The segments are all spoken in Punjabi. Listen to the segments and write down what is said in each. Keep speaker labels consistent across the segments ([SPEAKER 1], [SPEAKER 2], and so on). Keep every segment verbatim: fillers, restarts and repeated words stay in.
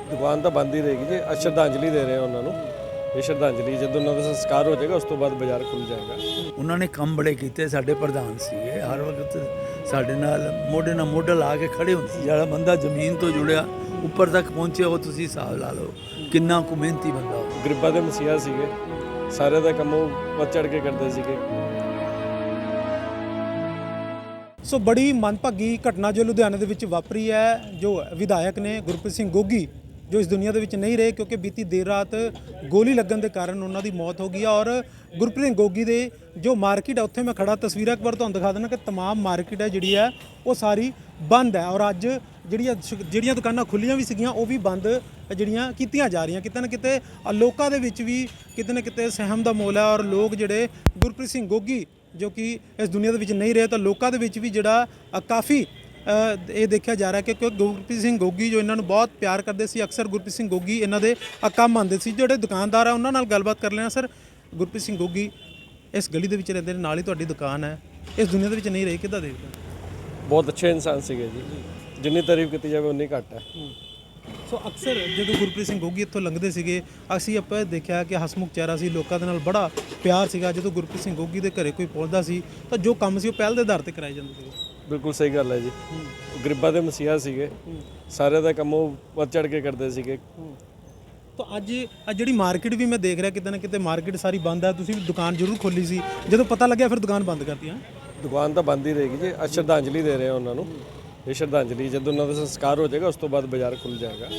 [SPEAKER 1] ਦੁਕਾਨ ਤਾਂ ਬੰਦ ਹੀ ਰਹੇਗੀ ਜੀ। ਅੱਜ ਸ਼ਰਧਾਂਜਲੀ ਦੇ ਰਹੇ ਹਾਂ ਉਹਨਾਂ ਨੂੰ। ਇਹ ਸ਼ਰਧਾਂਜਲੀ ਜਦੋਂ ਉਹਨਾਂ ਦਾ ਸੰਸਕਾਰ ਹੋ ਜਾਏਗਾ ਉਸ ਤੋਂ ਬਾਅਦ ਬਾਜ਼ਾਰ ਖੁੱਲ੍ਹ ਜਾਏਗਾ।
[SPEAKER 2] ਉਹਨਾਂ ਨੇ ਕੰਮ ਬੜੇ ਕੀਤੇ। ਸਾਡੇ ਪ੍ਰਧਾਨ ਸੀਗੇ, ਹਰ ਵਕਤ ਸਾਡੇ ਨਾਲ ਮੋਢੇ ਨਾਲ ਮੋਢਾ ਲਾ ਕੇ ਖੜੇ ਹੁੰਦੇ ਸੀ। ਜਿਹੜਾ ਬੰਦਾ ਜ਼ਮੀਨ ਤੋਂ ਜੁੜਿਆ ਉੱਪਰ ਤੱਕ ਪਹੁੰਚਿਆ, ਉਹ ਤੁਸੀਂ ਹਿਸਾਬ ਲਾ ਲਓ ਕਿੰਨਾ ਕੁ ਮਿਹਨਤੀ ਬੰਦਾ ਉਹ।
[SPEAKER 1] ਗਰੀਬਾਂ ਦੇ ਮਸੀਹਾ ਸੀਗੇ, ਸਾਰੇ ਦਾ ਕੰਮ ਉਹ ਵੱਧ ਚੜ੍ਹ ਕੇ ਕਰਦੇ ਸੀਗੇ।
[SPEAKER 3] ਸੋ ਬੜੀ ਮੰਦਭਾਗੀ ਘਟਨਾ ਜੋ ਲੁਧਿਆਣੇ ਦੇ ਵਿੱਚ ਵਾਪਰੀ ਹੈ। ਜੋ ਵਿਧਾਇਕ ਨੇ ਗੁਰਪ੍ਰੀਤ ਸਿੰਘ ਗੋਗੀ ਜੋ ਇਸ ਦੁਨੀਆ ਦੇ ਵਿੱਚ ਨਹੀਂ ਰਹੇ, ਕਿਉਂਕਿ ਬੀਤੀ ਦੇਰ ਰਾਤ ਗੋਲੀ ਲੱਗਣ ਦੇ ਕਾਰਨ ਉਹਨਾਂ ਦੀ ਮੌਤ ਹੋ ਗਈ ਹੈ। ਔਰ ਗੁਰਪ੍ਰੀਤ ਸਿੰਘ ਗੋਗੀ ਦੇ ਜੋ ਮਾਰਕੀਟ ਹੈ ਉੱਥੇ ਮੈਂ ਖੜਾ, ਤਸਵੀਰਾਂ ਇੱਕ ਵਾਰ ਤੁਹਾਨੂੰ ਦਿਖਾ ਦੇਣਾ ਕਿ ਤਮਾਮ ਮਾਰਕੀਟ ਹੈ ਜਿਹੜੀ ਹੈ ਉਹ ਸਾਰੀ ਬੰਦ ਹੈ। ਔਰ ਅੱਜ ਜਿਹੜੀਆਂ ਜਿਹੜੀਆਂ ਦੁਕਾਨਾਂ ਖੁੱਲੀਆਂ ਵੀ ਸੀਗੀਆਂ ਉਹ ਵੀ ਬੰਦ ਜਿਹੜੀਆਂ ਕੀਤੀਆਂ ਜਾ ਰਹੀਆਂ। ਕਿਤੇ ਨਾ ਕਿਤੇ ਲੋਕਾਂ ਦੇ ਵਿੱਚ ਵੀ ਕਿਤੇ ਨਾ ਕਿਤੇ ਸਹਿਮ ਦਾ ਮੋਲ ਹੈ। ਔਰ ਲੋਕ ਜਿਹੜੇ ਗੁਰਪ੍ਰੀਤ ਸਿੰਘ ਗੋਗੀ ਜੋ ਕਿ ਇਸ ਦੁਨੀਆ ਦੇ ਵਿੱਚ ਨਹੀਂ ਰਹੇ, ਤਾਂ ਲੋਕਾਂ ਦੇ ਵਿੱਚ ਵੀ ਜਿਹੜਾ ਕਾਫੀ ਇਹ ਦੇਖਿਆ ਜਾ ਰਿਹਾ ਕਿ ਕਿਉਂਕਿ ਗੁਰਪ੍ਰੀਤ ਸਿੰਘ ਗੋਗੀ ਜੋ ਇਹਨਾਂ ਨੂੰ ਬਹੁਤ ਪਿਆਰ ਕਰਦੇ ਸੀ। ਅਕਸਰ ਗੁਰਪ੍ਰੀਤ ਸਿੰਘ ਗੋਗੀ ਇਹਨਾਂ ਦੇ ਕੰਮ ਆਉਂਦੇ ਸੀ। ਜਿਹੜੇ ਦੁਕਾਨਦਾਰ ਆ ਉਹਨਾਂ ਨਾਲ ਗੱਲਬਾਤ ਕਰ ਲੈਣਾ। ਸਰ, ਗੁਰਪ੍ਰੀਤ ਸਿੰਘ ਗੋਗੀ ਇਸ ਗਲੀ ਦੇ ਵਿੱਚ ਰਹਿੰਦੇ ਨੇ, ਨਾਲ ਹੀ ਤੁਹਾਡੀ ਦੁਕਾਨ ਹੈ, ਇਸ ਦੁਨੀਆ ਦੇ ਵਿੱਚ ਨਹੀਂ ਰਹੇ, ਕਿੱਦਾਂ ਦੇਖਦੇ?
[SPEAKER 1] ਬਹੁਤ ਅੱਛੇ ਇਨਸਾਨ ਸੀਗੇ ਜੀ, ਜਿੰਨੀ ਤਾਰੀਫ ਕੀਤੀ ਜਾਵੇ ਉਨੀ ਘੱਟ ਹੈ।
[SPEAKER 3] ਸੋ ਅਕਸਰ ਜਦੋਂ ਗੁਰਪ੍ਰੀਤ ਸਿੰਘ ਗੋਗੀ ਇੱਥੋਂ ਲੰਘਦੇ ਸੀਗੇ, ਅਸੀਂ ਆਪਾਂ ਦੇਖਿਆ ਕਿ ਹਸਮੁਖ ਚਿਹਰਾ ਸੀ, ਲੋਕਾਂ ਦੇ ਨਾਲ ਬੜਾ ਪਿਆਰ ਸੀਗਾ। ਜਦੋਂ ਗੁਰਪ੍ਰੀਤ ਸਿੰਘ ਗੋਗੀ ਦੇ ਘਰੇ ਕੋਈ ਪਹੁੰਚਦਾ ਸੀ ਤਾਂ ਜੋ ਕੰਮ ਸੀ ਉਹ ਪਹਿਲ ਦੇ ਆਧਾਰ ਤੇ ਕਰਾਏ ਜਾਂਦੇ ਸੀਗੇ।
[SPEAKER 1] ਬਿਲਕੁਲ ਸਹੀ ਗੱਲ ਹੈ ਜੀ। ਗਰੀਬਾਂ ਦੇ ਮਸੀਹਾ ਸੀਗੇ, ਸਾਰੇ ਦਾ ਕੰਮ ਉਹ ਵੱਧ ਚੜ੍ਹ ਕੇ ਕਰਦੇ ਸੀਗੇ।
[SPEAKER 3] ਤਾਂ ਅੱਜ ਜਿਹੜੀ ਮਾਰਕੀਟ ਵੀ ਮੈਂ ਦੇਖ ਰਿਹਾ ਕਿਤੇ ਨਾ ਕਿਤੇ ਮਾਰਕੀਟ ਸਾਰੀ ਬੰਦ ਹੈ। ਤੁਸੀਂ ਵੀ ਦੁਕਾਨ ਜ਼ਰੂਰ ਖੋਲੀ ਸੀ, ਜਦੋਂ ਪਤਾ ਲੱਗਿਆ ਫਿਰ ਦੁਕਾਨ ਬੰਦ ਕਰਤੀ? ਹਾਂ,
[SPEAKER 1] ਦੁਕਾਨ ਤਾਂ ਬੰਦ ਹੀ ਰਹੇਗੀ ਜੀ। ਅੱਜ ਸ਼ਰਧਾਂਜਲੀ ਦੇ ਰਹੇ ਹਾਂ ਉਹਨਾਂ ਨੂੰ। ਇਹ ਸ਼ਰਧਾਂਜਲੀ ਜਦੋਂ ਉਹਨਾਂ ਦਾ ਸੰਸਕਾਰ ਹੋ ਜਾਏਗਾ ਉਸ ਤੋਂ ਬਾਅਦ ਬਾਜ਼ਾਰ ਖੁੱਲ੍ਹ ਜਾਏਗਾ।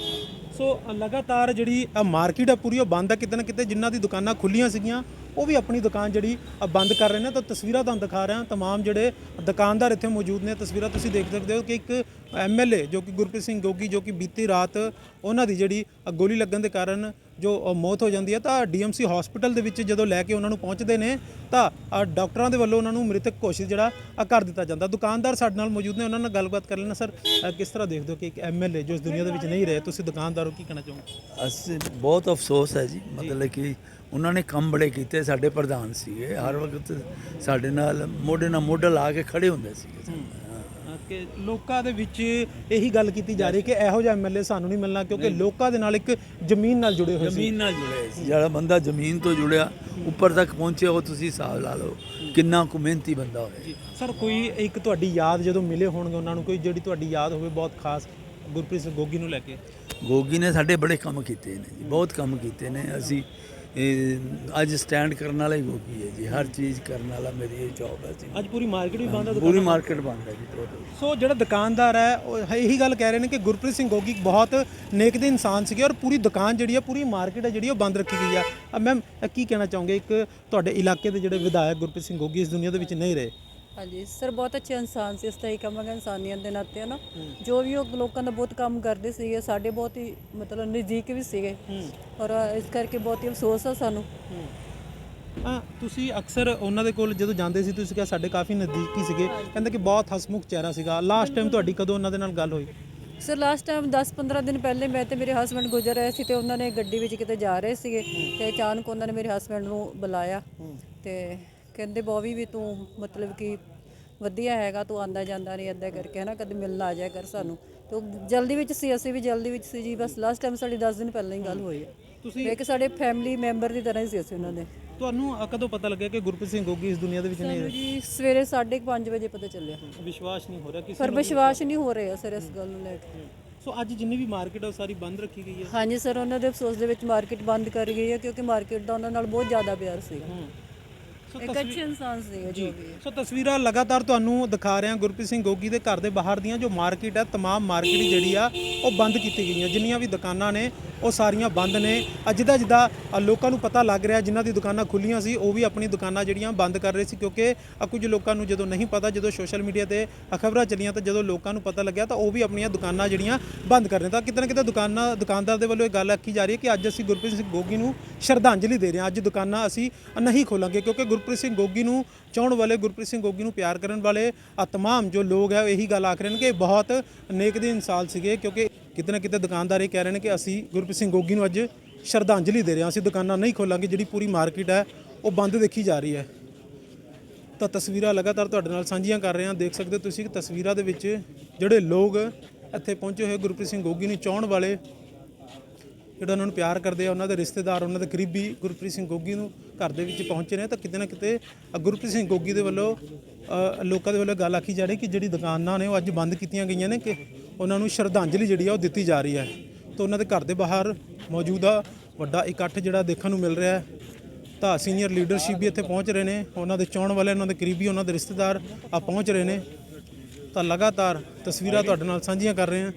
[SPEAKER 3] ਸੋ ਲਗਾਤਾਰ ਜਿਹੜੀ ਮਾਰਕੀਟ ਹੈ ਪੂਰੀ ਉਹ ਬੰਦ ਹੈ। ਕਿਤੇ ਨਾ ਕਿਤੇ ਜਿਨ੍ਹਾਂ ਦੀ ਦੁਕਾਨਾਂ ਖੁੱਲੀਆਂ ਸੀਗੀਆਂ ਉਹ ਵੀ ਆਪਣੀ ਦੁਕਾਨ ਜਿਹੜੀ ਬੰਦ ਕਰ ਰਹੇ ਨੇ। ਤਾਂ ਤਸਵੀਰਾਂ ਤੁਹਾਨੂੰ ਦਿਖਾ ਰਿਹਾ, ਤਮਾਮ ਜਿਹੜੇ ਦੁਕਾਨਦਾਰ ਇੱਥੇ ਮੌਜੂਦ ਨੇ। ਤਸਵੀਰਾਂ ਤੁਸੀਂ ਦੇਖ ਸਕਦੇ ਹੋ ਕਿ ਇੱਕ ਐਮ ਐਲ ਏ ਜੋ ਕਿ ਗੁਰਪ੍ਰੀਤ ਸਿੰਘ ਗੋਗੀ ਜੋ ਕਿ ਬੀਤੀ ਰਾਤ ਉਹਨਾਂ ਦੀ ਜਿਹੜੀ ਗੋਲੀ ਲੱਗਣ ਦੇ ਕਾਰਨ ਜੋ ਮੌਤ ਹੋ ਜਾਂਦੀ ਹੈ, ਤਾਂ ਡੀ ਐਮ ਸੀ ਹਸਪੀਟਲ ਦੇ ਵਿੱਚ ਜਦੋਂ ਲੈ ਕੇ ਉਹਨਾਂ ਨੂੰ ਪਹੁੰਚਦੇ ਨੇ ਤਾਂ ਡਾਕਟਰਾਂ ਦੇ ਵੱਲੋਂ ਉਹਨਾਂ ਨੂੰ ਮ੍ਰਿਤਕ ਘੋਸ਼ਿਤ ਜਿਹੜਾ ਕਰ ਦਿੱਤਾ ਜਾਂਦਾ। ਦੁਕਾਨਦਾਰ ਸਾਡੇ ਨਾਲ ਮੌਜੂਦ ਨੇ, ਉਹਨਾਂ ਨਾਲ ਗੱਲਬਾਤ ਕਰ ਲੈਣਾ। ਸਰ, ਕਿਸ ਤਰ੍ਹਾਂ ਦੇਖਦੇ ਹੋ ਕਿ ਇੱਕ ਐਮ ਐਲ ਏ ਜੋ ਇਸ ਦੁਨੀਆ ਦੇ ਵਿੱਚ ਨਹੀਂ ਰਹੇ, ਤੁਸੀਂ ਦੁਕਾਨਦਾਰ ਹੋ, ਕੀ ਕਹਿਣਾ ਚਾਹੋਗੇ?
[SPEAKER 2] ਅਸੀਂ ਬਹੁਤ ਅਫਸੋਸ ਹੈ ਜੀ, ਮਤਲਬ ਕਿ ਉਹਨਾਂ ਨੇ ਕੰਮ ਬੜੇ ਕੀਤੇ। ਸਾਡੇ ਪ੍ਰਧਾਨ ਸੀਗੇ, ਹਰ ਵਕਤ ਸਾਡੇ ਨਾਲ ਮੋਢੇ ਨਾਲ ਮੋਢਾ ਲਾ ਕੇ ਖੜੇ ਹੁੰਦੇ ਸੀਗੇ।
[SPEAKER 3] ਕਿ ਲੋਕਾਂ ਦੇ ਵਿੱਚ ਇਹੀ ਗੱਲ ਕੀਤੀ ਜਾ ਰਹੀ ਕਿ ਇਹੋ ਜਿਹਾ ਐਮ ਐਲ ਏ ਸਾਨੂੰ ਨਹੀਂ ਮਿਲਣਾ, ਕਿਉਂਕਿ ਲੋਕਾਂ ਦੇ ਨਾਲ ਇੱਕ ਜ਼ਮੀਨ ਨਾਲ ਜੁੜੇ ਹੋਏ ਸੀ।
[SPEAKER 2] ਜ਼ਮੀਨ ਨਾਲ ਜੁੜੇ ਸੀ। ਜਿਹੜਾ ਬੰਦਾ ਜ਼ਮੀਨ ਤੋਂ ਜੁੜਿਆ ਉੱਪਰ ਤੱਕ ਪਹੁੰਚਿਆ, ਉਹ ਤੁਸੀਂ ਹਿਸਾਬ ਲਾ ਲਓ ਕਿੰਨਾ ਕੁ ਮਿਹਨਤੀ ਬੰਦਾ ਹੋਵੇ।
[SPEAKER 3] ਸਰ, ਕੋਈ ਇੱਕ ਤੁਹਾਡੀ ਯਾਦ ਜਦੋਂ ਮਿਲੇ ਹੋਣਗੇ ਉਹਨਾਂ ਨੂੰ, ਕੋਈ ਜਿਹੜੀ ਤੁਹਾਡੀ ਯਾਦ ਹੋਵੇ ਬਹੁਤ ਖਾਸ ਗੁਰਪ੍ਰੀਤ ਸਿੰਘ ਗੋਗੀ ਨੂੰ ਲੈ ਕੇ?
[SPEAKER 2] ਗੋਗੀ ਨੇ ਸਾਡੇ ਬੜੇ ਕੰਮ ਕੀਤੇ ਨੇ ਜੀ, ਬਹੁਤ ਕੰਮ ਕੀਤੇ ਨੇ। ਅਸੀਂ ਅੱਜ ਸਟੈਂਡ ਕਰਨ ਵਾਲਾ ਹੀ ਗੋਗੀ ਹੈ ਜੀ, ਹਰ ਚੀਜ਼ ਕਰਨ ਵਾਲਾ ਮੇਰੀ ਇਹ ਜੌਬ ਹੈ ਜੀ।
[SPEAKER 3] ਅੱਜ ਪੂਰੀ ਮਾਰਕੀਟ ਵੀ ਬੰਦ ਹੈ,
[SPEAKER 2] ਪੂਰੀ ਮਾਰਕੀਟ ਬੰਦ ਹੈ ਜੀ ਟੋਟਲ।
[SPEAKER 3] ਸੋ ਜਿਹੜਾ ਦੁਕਾਨਦਾਰ ਹੈ ਉਹ ਇਹੀ ਗੱਲ ਕਹਿ ਰਹੇ ਨੇ ਕਿ ਗੁਰਪ੍ਰੀਤ ਸਿੰਘ ਗੋਗੀ ਬਹੁਤ ਨੇਕ ਦੇ ਇਨਸਾਨ ਸੀਗੇ ਔਰ ਪੂਰੀ ਦੁਕਾਨ ਜਿਹੜੀ ਹੈ, ਪੂਰੀ ਮਾਰਕੀਟ ਹੈ ਜਿਹੜੀ ਉਹ ਬੰਦ ਰੱਖੀ ਗਈ ਹੈ। ਮੈਮ, ਕੀ ਕਹਿਣਾ ਚਾਹੋਗੇ, ਇੱਕ ਤੁਹਾਡੇ ਇਲਾਕੇ ਦੇ ਜਿਹੜੇ ਵਿਧਾਇਕ ਗੁਰਪ੍ਰੀਤ ਸਿੰਘ ਗੋਗੀ ਇਸ ਦੁਨੀਆ ਦੇ ਵਿੱਚ ਨਹੀਂ ਰਹੇ?
[SPEAKER 4] ਹਾਂਜੀ ਸਰ, ਬਹੁਤ ਅੱਛੇ ਇਨਸਾਨ ਸੀ। ਇਸ ਤਰ੍ਹਾਂ ਹੀ ਕਹਾਂਗੇ ਇਨਸਾਨੀਅਤ ਦੇ ਨਾਤੇ ਹੈ ਨਾ, ਜੋ ਵੀ ਉਹ ਲੋਕਾਂ ਦਾ ਬਹੁਤ ਕੰਮ ਕਰਦੇ ਸੀਗੇ, ਸਾਡੇ ਬਹੁਤ ਹੀ ਮਤਲਬ ਨਜ਼ਦੀਕ ਵੀ ਸੀਗੇ। ਔਰ ਇਸ ਕਰਕੇ ਬਹੁਤ ਹੀ ਅਫਸੋਸ ਆ ਸਾਨੂੰ।
[SPEAKER 3] ਹਾਂ, ਤੁਸੀਂ ਅਕਸਰ ਉਹਨਾਂ ਦੇ ਕੋਲ ਜਦੋਂ ਜਾਂਦੇ ਸੀ ਤੁਸੀਂ ਕਿਹਾ ਸਾਡੇ ਕਾਫੀ ਨਜ਼ਦੀਕੀ ਸੀਗੇ, ਕਹਿੰਦੇ ਕਿ ਬਹੁਤ ਹਸਮੁਖ ਚਿਹਰਾ ਸੀਗਾ। ਲਾਸਟ ਟਾਈਮ ਤੁਹਾਡੀ ਕਦੋਂ ਉਹਨਾਂ ਦੇ ਨਾਲ ਗੱਲ ਹੋਈ?
[SPEAKER 4] ਸਰ, ਲਾਸਟ ਟਾਈਮ ਦਸ ਪੰਦਰਾਂ ਦਿਨ ਪਹਿਲੇ ਮੈਂ ਤੇ ਮੇਰੇ ਹਸਬੈਂਡ ਗੁਜ਼ਰ ਰਹੇ ਸੀ, ਤੇ ਉਹਨਾਂ ਨੇ ਗੱਡੀ ਵਿੱਚ ਕਿਤੇ ਜਾ ਰਹੇ ਸੀਗੇ, ਤੇ ਅਚਾਨਕ ਉਹਨਾਂ ਨੇ ਮੇਰੇ ਹਸਬੈਂਡ ਨੂੰ ਬੁਲਾਇਆ ਤੇ ਕਹਿੰਦੇ ਬੋਵੀ ਵੀ ਤੂੰ ਮਤਲਬ ਕਿ ਵਧੀਆ ਹੈਗਾ, ਤੂੰ ਆਉਂਦਾ ਜਾਂਦਾ ਨਹੀਂ ਇੱਦਾਂ ਕਰਕੇ ਹੈ ਨਾ, ਕਦੇ ਮਿਲਣ ਆ ਜਾਇਆ ਕਰ ਸਾਨੂੰ। ਤੇ ਜਲਦੀ ਵਿੱਚ ਸੀ, ਅਸੀਂ ਵੀ ਜਲਦੀ ਵਿੱਚ ਸੀ ਜੀ। ਬਸ ਲਾਸਟ ਟਾਈਮ ਸਾਡੀ ਦਸ ਦਿਨ ਪਹਿਲਾਂ ਹੀ ਗੱਲ ਹੋਈ ਹੈ। ਤੁਸੀਂ ਇੱਕ ਸਾਡੇ ਫੈਮਿਲੀ ਮੈਂਬਰ ਦੀ ਤਰ੍ਹਾਂ ਹੀ ਸੀ ਅਸੀਂ ਉਹਨਾਂ ਦੇ।
[SPEAKER 3] ਤੁਹਾਨੂੰ ਕਦੋਂ ਪਤਾ ਲੱਗਿਆ ਕਿ ਗੁਰਪ੍ਰੀਤ ਸਿੰਘ ਗੋਗੀ ਇਸ ਦੁਨੀਆ ਦੇ ਵਿੱਚ ਨਹੀਂ ਰਹੇ?
[SPEAKER 4] ਜੀ ਸਵੇਰੇ ਸਾਢੇ ਪੰਜ ਵਜੇ ਪਤਾ ਚੱਲਿਆ।
[SPEAKER 3] ਵਿਸ਼ਵਾਸ ਨਹੀਂ ਹੋ ਰਿਹਾ ਕਿਸੇ
[SPEAKER 4] ਪਰ ਵਿਸ਼ਵਾਸ ਨਹੀਂ ਹੋ ਰਿਹਾ ਸਰ ਇਸ ਗੱਲ ਨੂੰ ਲੈ ਕੇ।
[SPEAKER 3] ਸੋ ਅੱਜ ਜਿੰਨੀ ਵੀ ਮਾਰਕੀਟ ਹੈ ਉਹ ਸਾਰੀ ਬੰਦ ਰੱਖੀ ਗਈ ਹੈ?
[SPEAKER 4] ਹਾਂਜੀ ਸਰ, ਉਹਨਾਂ ਦੇ ਅਫਸੋਸ ਦੇ ਵਿੱਚ ਮਾਰਕੀਟ ਬੰਦ ਕਰ ਗਈ ਹੈ, ਕਿਉਂਕਿ ਮਾਰਕੀਟ ਦਾ ਉਹਨਾਂ ਨਾਲ ਬਹੁਤ ਜ਼ਿਆਦਾ ਪਿਆਰ ਸੀਗਾ। ਇੱਕ ਅੱਛੇ ਇਨਸਾਨ ਸੀਗੇ ਜੋ ਵੀ।
[SPEAKER 3] ਸੋ ਤਸਵੀਰਾਂ ਲਗਾਤਾਰ ਤੁਹਾਨੂੰ ਦਿਖਾ ਰਹੇ ਹਾਂ ਗੁਰਪ੍ਰੀਤ ਸਿੰਘ ਗੋਗੀ ਦੇ ਘਰ ਦੇ ਬਾਹਰ ਦੀਆਂ। ਜੋ ਮਾਰਕੀਟ ਹੈ, ਤਮਾਮ ਮਾਰਕੀਟ ਜਿਹੜੀ ਆ ਉਹ ਬੰਦ ਕੀਤੀ ਗਈਆਂ। ਜਿੰਨੀਆਂ ਵੀ ਦੁਕਾਨਾਂ ਨੇ ਉਹ ਸਾਰੀਆਂ ਬੰਦ ਨੇ। ਜਿੱਦਾਂ ਜਿੱਦਾਂ ਲੋਕਾਂ ਨੂੰ ਪਤਾ ਲੱਗ ਰਿਹਾ, ਜਿਨ੍ਹਾਂ ਦੀ ਦੁਕਾਨਾਂ ਖੁੱਲੀਆਂ ਸੀ ਉਹ ਵੀ ਆਪਣੀ ਦੁਕਾਨਾਂ ਜਿਹੜੀਆਂ ਬੰਦ ਕਰ ਰਹੇ ਸੀ, ਕਿਉਂਕਿ ਕੁਝ ਲੋਕਾਂ ਨੂੰ ਜਦੋਂ ਨਹੀਂ ਪਤਾ, ਜਦੋਂ ਸੋਸ਼ਲ ਮੀਡੀਆ ਤੇ ਖਬਰਾਂ ਚੱਲੀਆਂ ਤਾਂ ਜਦੋਂ ਲੋਕਾਂ ਨੂੰ ਪਤਾ ਲੱਗਿਆ ਤਾਂ ਉਹ ਵੀ ਆਪਣੀਆਂ ਦੁਕਾਨਾਂ ਜਿਹੜੀਆਂ ਬੰਦ ਕਰ ਰਹੇ। ਤਾਂ ਕਿਤੇ ਨਾ ਕਿਤੇ ਦੁਕਾਨਾਂ ਦੁਕਾਨਦਾਰ ਦੇ ਵੱਲੋਂ ਇਹ ਗੱਲ ਆਖੀ ਜਾ ਰਹੀ ਹੈ ਕਿ ਅੱਜ ਅਸੀਂ ਗੁਰਪ੍ਰੀਤ ਸਿੰਘ ਗੋਗੀ ਨੂੰ ਸ਼ਰਧਾਂਜਲੀ ਦੇ ਰਹੇ ਹਾਂ, ਅੱਜ ਦੁਕਾਨਾਂ ਅਸੀਂ ਨਹੀਂ ਖੋਲਾਂਗੇ, ਕਿਉਂਕਿ ਗੁਰਪ੍ਰੀਤ ਸਿੰਘ ਗੋਗੀ ਨੂੰ ਚਾਹੁਣ ਵਾਲੇ, ਗੁਰਪ੍ਰੀਤ ਸਿੰਘ ਗੋਗੀ ਨੂੰ ਪਿਆਰ ਕਰਨ ਵਾਲੇ ਤਮਾਮ ਜੋ ਲੋਕ ਹੈ ਇਹੀ ਗੱਲ ਆਖ ਰਹੇ ਨੇ ਕਿ ਬਹੁਤ ਨੇਕ ਦੇ ਇਨਸਾਨ ਸੀਗੇ। ਕਿਉਂਕਿ ਕਿਤੇ ਨਾ ਕਿਤੇ ਦੁਕਾਨਦਾਰ ਇਹ ਕਹਿ ਰਹੇ ਨੇ ਕਿ ਅਸੀਂ ਗੁਰਪ੍ਰੀਤ ਸਿੰਘ ਗੋਗੀ ਨੂੰ ਅੱਜ ਸ਼ਰਧਾਂਜਲੀ ਦੇ ਰਹੇ ਹਾਂ, ਅਸੀਂ ਦੁਕਾਨਾਂ ਨਹੀਂ ਖੋਲਾਂਗੇ। ਜਿਹੜੀ ਪੂਰੀ ਮਾਰਕੀਟ ਹੈ ਉਹ ਬੰਦ ਦੇਖੀ ਜਾ ਰਹੀ ਹੈ। ਤਾਂ ਤਸਵੀਰਾਂ ਲਗਾਤਾਰ ਤੁਹਾਡੇ ਨਾਲ ਸਾਂਝੀਆਂ ਕਰ ਰਹੇ ਹਾਂ। ਦੇਖ ਸਕਦੇ ਹੋ ਤੁਸੀਂ ਕਿ ਤਸਵੀਰਾਂ ਦੇ ਵਿੱਚ ਜਿਹੜੇ ਲੋਕ ਇੱਥੇ ਪਹੁੰਚੇ ਹੋਏ ਗੁਰਪ੍ਰੀਤ ਸਿੰਘ ਗੋਗੀ ਨੂੰ ਚਾਹੁਣ ਵਾਲੇ ਜਿਹੜਾ ਉਹਨਾਂ ਨੂੰ ਪਿਆਰ ਕਰਦੇ ਆ, ਉਹਨਾਂ ਦੇ ਰਿਸ਼ਤੇਦਾਰ, ਉਹਨਾਂ ਦੇ ਕਰੀਬੀ ਗੁਰਪ੍ਰੀਤ ਸਿੰਘ ਗੋਗੀ ਨੂੰ ਘਰ ਦੇ ਵਿੱਚ ਪਹੁੰਚੇ ਨੇ। ਤਾਂ ਕਿਤੇ ਨਾ ਕਿਤੇ ਅ, ਗੁਰਪ੍ਰੀਤ ਸਿੰਘ ਗੋਗੀ ਦੇ ਵੱਲੋਂ ਅ, ਲੋਕਾਂ ਦੇ ਵੱਲੋਂ ਗੱਲ ਆਖੀ ਜਾ ਰਹੀ ਕਿ ਜਿਹੜੀ ਦੁਕਾਨਾਂ ਨੇ ਉਹ ਅੱਜ ਬੰਦ ਕੀਤੀਆਂ ਗਈਆਂ ਨੇ ਕਿ ਉਹਨਾਂ ਨੂੰ ਸ਼ਰਧਾਂਜਲੀ ਜਿਹੜੀ ਆ ਉਹ ਦਿੱਤੀ ਜਾ ਰਹੀ ਹੈ। ਤਾਂ ਉਹਨਾਂ ਦੇ ਘਰ ਦੇ ਬਾਹਰ ਮੌਜੂਦਾ ਵੱਡਾ ਇਕੱਠ ਜਿਹੜਾ ਦੇਖਣ ਨੂੰ ਮਿਲ ਰਿਹਾ ਹੈ। ਤਾਂ ਸੀਨੀਅਰ ਲੀਡਰਸ਼ਿਪ ਵੀ ਇੱਥੇ ਪਹੁੰਚ ਰਹੇ ਨੇ, ਉਹਨਾਂ ਦੇ ਚਾਹੁਣ ਵਾਲੇ, ਉਹਨਾਂ ਦੇ ਕਰੀਬੀ, ਉਹਨਾਂ ਦੇ ਰਿਸ਼ਤੇਦਾਰ ਆ ਪਹੁੰਚ ਰਹੇ ਨੇ। ਤਾਂ ਲਗਾਤਾਰ ਤਸਵੀਰਾਂ ਤੁਹਾਡੇ ਨਾਲ ਸਾਂਝੀਆਂ ਕਰ ਰਹੇ ਹਾਂ।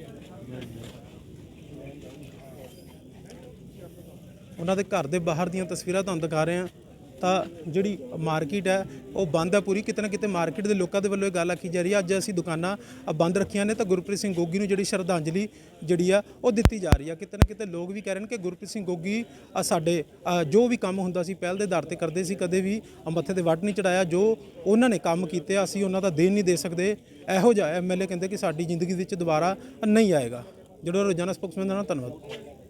[SPEAKER 3] ਉਹਨਾਂ ਦੇ ਘਰ ਦੇ ਬਾਹਰ ਦੀਆਂ ਤਸਵੀਰਾਂ ਤੁਹਾਨੂੰ ਦਿਖਾ ਰਹੇ ਹਾਂ। ਤਾਂ ਜਿਹੜੀ ਮਾਰਕੀਟ ਹੈ ਉਹ ਬੰਦ ਹੈ ਪੂਰੀ। ਕਿਤੇ ਨਾ ਕਿਤੇ ਮਾਰਕੀਟ ਦੇ ਲੋਕਾਂ ਦੇ ਵੱਲੋਂ ਇਹ ਗੱਲ ਆਖੀ ਜਾ ਰਹੀ ਹੈ ਅੱਜ ਅਸੀਂ ਦੁਕਾਨਾਂ ਅ, ਬੰਦ ਰੱਖੀਆਂ ਨੇ ਤਾਂ ਗੁਰਪ੍ਰੀਤ ਸਿੰਘ ਗੋਗੀ ਨੂੰ ਜਿਹੜੀ ਸ਼ਰਧਾਂਜਲੀ ਜਿਹੜੀ ਆ ਉਹ ਦਿੱਤੀ ਜਾ ਰਹੀ ਆ। ਕਿਤੇ ਨਾ ਕਿਤੇ ਲੋਕ ਵੀ ਕਹਿ ਰਹੇ ਨੇ ਕਿ ਗੁਰਪ੍ਰੀਤ ਸਿੰਘ ਗੋਗੀ ਅ, ਸਾਡੇ ਅ, ਜੋ ਵੀ ਕੰਮ ਹੁੰਦਾ ਸੀ ਪਹਿਲ ਦੇ ਆਧਾਰ ਤੇ ਕਰਦੇ ਸੀ, ਕਦੇ ਵੀ ਮੱਥੇ ਤੇ ਵੱਟ ਨਹੀਂ ਚੜਾਇਆ। ਜੋ ਉਹਨਾਂ ਨੇ ਕੰਮ ਕੀਤੇ ਅਸੀਂ ਉਹਨਾਂ ਦਾ ਦੇਣ ਨਹੀਂ ਦੇ ਸਕਦੇ। ਇਹੋ ਜਿਹਾ ਐਮ ਐਲ ਏ ਕਹਿੰਦੇ ਕਿ ਸਾਡੀ ਜ਼ਿੰਦਗੀ ਵਿੱਚ ਦੁਬਾਰਾ ਨਹੀਂ ਆਏਗਾ। ਜਿਹੜਾ ਰੋਜ਼ਾਨਾ ਸਪੋਕਸਮੈਨ ਦਾ ਧੰਨਵਾਦ।